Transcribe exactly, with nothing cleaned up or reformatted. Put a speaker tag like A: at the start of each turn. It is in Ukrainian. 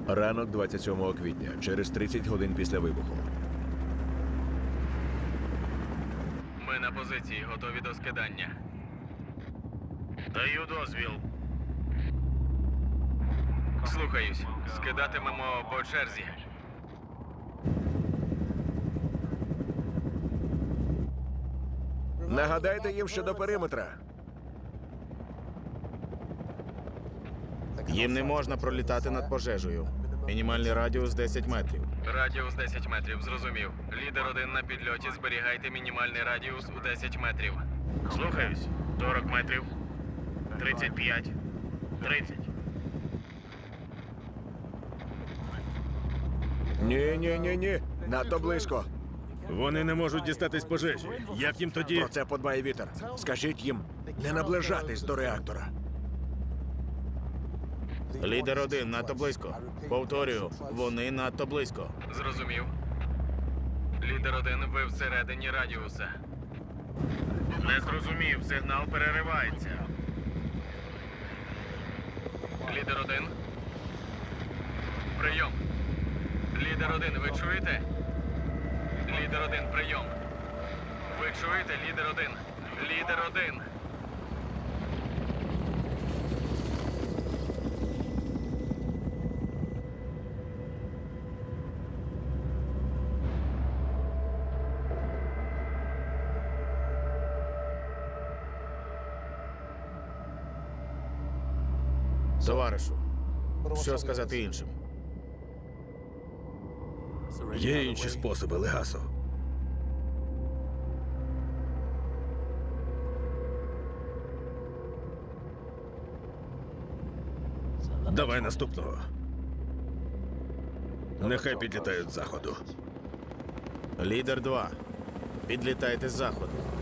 A: Ранок двадцять сьомого квітня, через тридцять годин після вибуху.
B: Ми на позиції, готові до скидання.
C: Даю дозвіл.
B: Слухаюсь. Скидатимемо по черзі.
A: Нагадайте їм щодо периметра.
C: Їм не можна пролітати над пожежею. Мінімальний радіус десять метрів.
B: Радіус десять метрів, зрозумів. Лідер один на підльоті, зберігайте мінімальний радіус у десять метрів.
C: Слухаюсь. сорок метрів. тридцять п'ять. тридцять.
A: Ні, ні, ні, ні. Надто близько.
D: Вони не можуть дістатись пожежі. Як їм тоді?
A: Про це подбає вітер. Скажіть їм не наближатись до реактора.
C: Лідер один надто близько. Повторюю, вони надто близько.
B: Зрозумів. Лідер один, ви всередині радіуса.
C: Не зрозумів, сигнал переривається.
B: Лідер один. Прийом. Лідер один, ви чуєте? Лідер один, прийом. Ви чуєте? Лідер один. Лідер один.
C: Товаришу, що сказати іншим?
D: Є інші способи, Легасо. Давай наступного. Нехай підлітають з заходу.
C: Лідер два. Підлітайте з заходу.